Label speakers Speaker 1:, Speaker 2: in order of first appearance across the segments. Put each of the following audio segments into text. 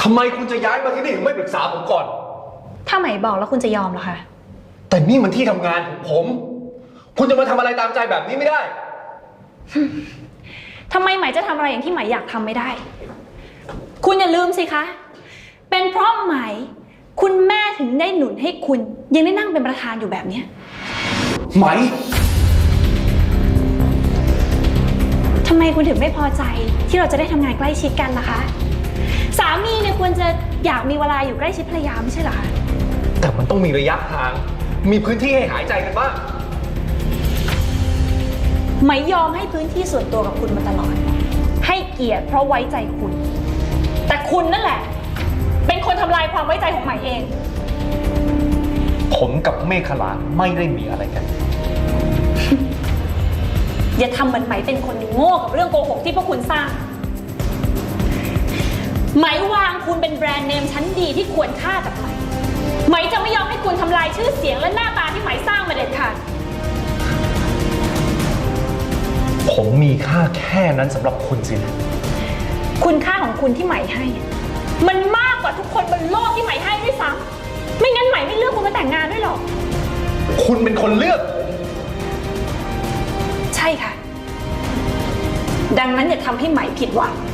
Speaker 1: ทำไมคุณจะย้ายมาที่นี่ไม่ปรึกษาผมก่อน
Speaker 2: ถ้าไหมบอกแล้วคุณจะยอมเหรอคะ
Speaker 1: แต่นี่มันที่ทำงานของผมคุณจะมาทำอะไรตามใจแบบนี้ไม่ได้
Speaker 2: ทำไมไหมจะทำอะไรอย่างที่ไหมอยากทำไม่ได้คุณอย่าลืมสิคะเป็นเพราะไหมคุณแม่ถึงได้หนุนให้คุณยังได้นั่งเป็นประธานอยู่แบบนี้
Speaker 1: ไหม
Speaker 2: ทำไมคุณถึงไม่พอใจที่เราจะได้ทำงานใกล้ชิดกันล่ะคะสามีเนี่ยควรจะอยากมีเวลาอยู่ใกล้ชิดภรรยาไม่ใช่เหรอคะ
Speaker 1: แต่มันต้องมีระยะห่างมีพื้นที่ให้หายใจกันบ้าง
Speaker 2: ไม่ยอมให้พื้นที่ส่วนตัวกับคุณมาตลอดให้เกียรติเพราะไว้ใจคุณแต่คุณนั่นแหละเป็นคนทำลายความไว้ใจของใหม่เอง
Speaker 1: ผมกับเมฆขลาไม่ได้มีอะไรกัน
Speaker 2: อย่าทำเหมือนไหมเป็นคนโง่กับเรื่องโกหกที่พวกคุณสร้างไหมวางคุณเป็นแบรนด์เนมชั้นดีที่ควรค่าจากไหมไหมจะไม่ยอมให้คุณทำลายชื่อเสียงและหน้าตาที่ไหมสร้างมาเด็ดขาด
Speaker 1: ผมมีค่าแค่นั้นสำหรับคุณสินะ
Speaker 2: คุณค่าของคุณที่ไหมให้มันมากกว่าทุกคนบนโลกที่ไหมให้ด้วยซ้ำไม่งั้นไหมไม่เลือกคุณมาแต่งงานด้วยหรอก
Speaker 1: คุณเป็นคนเลือก
Speaker 2: ใช่ค่ะดังนั้นอย่าทำให้ไหมผิดหวัง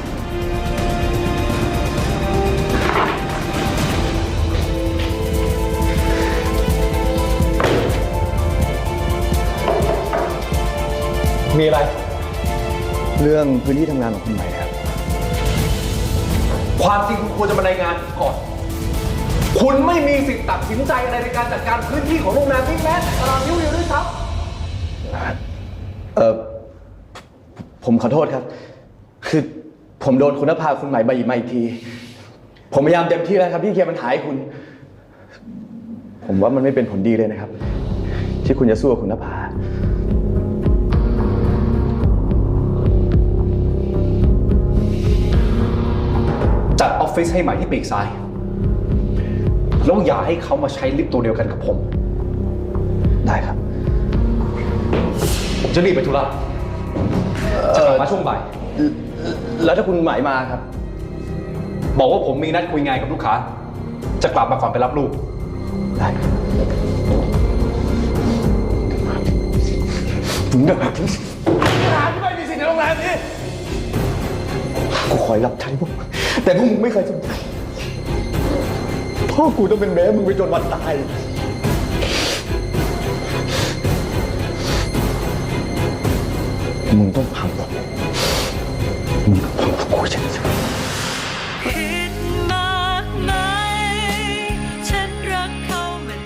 Speaker 1: มีอะไร
Speaker 3: เรื่องพื้นที่ทำงานของคุณไหมครับ
Speaker 1: ความจริงคุณควรจะมารายงานก่อนคุณไม่มีสิทธิ์ตัดสินใจอะไรในการจัดการพื้นที่ของโรงแรมนี้แม้แต่ตารางนิ้วเดียวด้วยซ้
Speaker 3: ำผมขอโทษครับคือผมโดนคุณนภาคุณไหมมาอีกทีผมพยายามเต็มที่แล้วครับที่เคลียร์ปัญหาให้คุณผมว่ามันไม่เป็นผลดีเลยนะครับที่คุณจะสู้กับคุณนภา
Speaker 1: จัดออฟฟิศให้ใหม่ที่ปีกซ้ายแล้วอย่าให้เขามาใช้ลิฟต์ตัวเดียวกันกับผม
Speaker 3: ได้ครับ
Speaker 1: ผมจะรีบไปธุระจะกลับมาช่วงบ่าย
Speaker 3: แล้วถ้าคุณไหมมาครับ
Speaker 1: บอกว่าผมมีนัดคุยงานกับลูกค้าจะกลับมาก่อนไปรับลูก
Speaker 3: ได้มึงเด้อร้านที่ไม่มีสิทธิ์ในโรงแรมนี้กูคอยรับใช้พวกแต่พวกมึงไม่เคยสนใจพ่อกูต้องเป็นแม่มึงไปจนวันตายมึงต้องพังหมดมึงต้องพังพวกกูใช่ไหม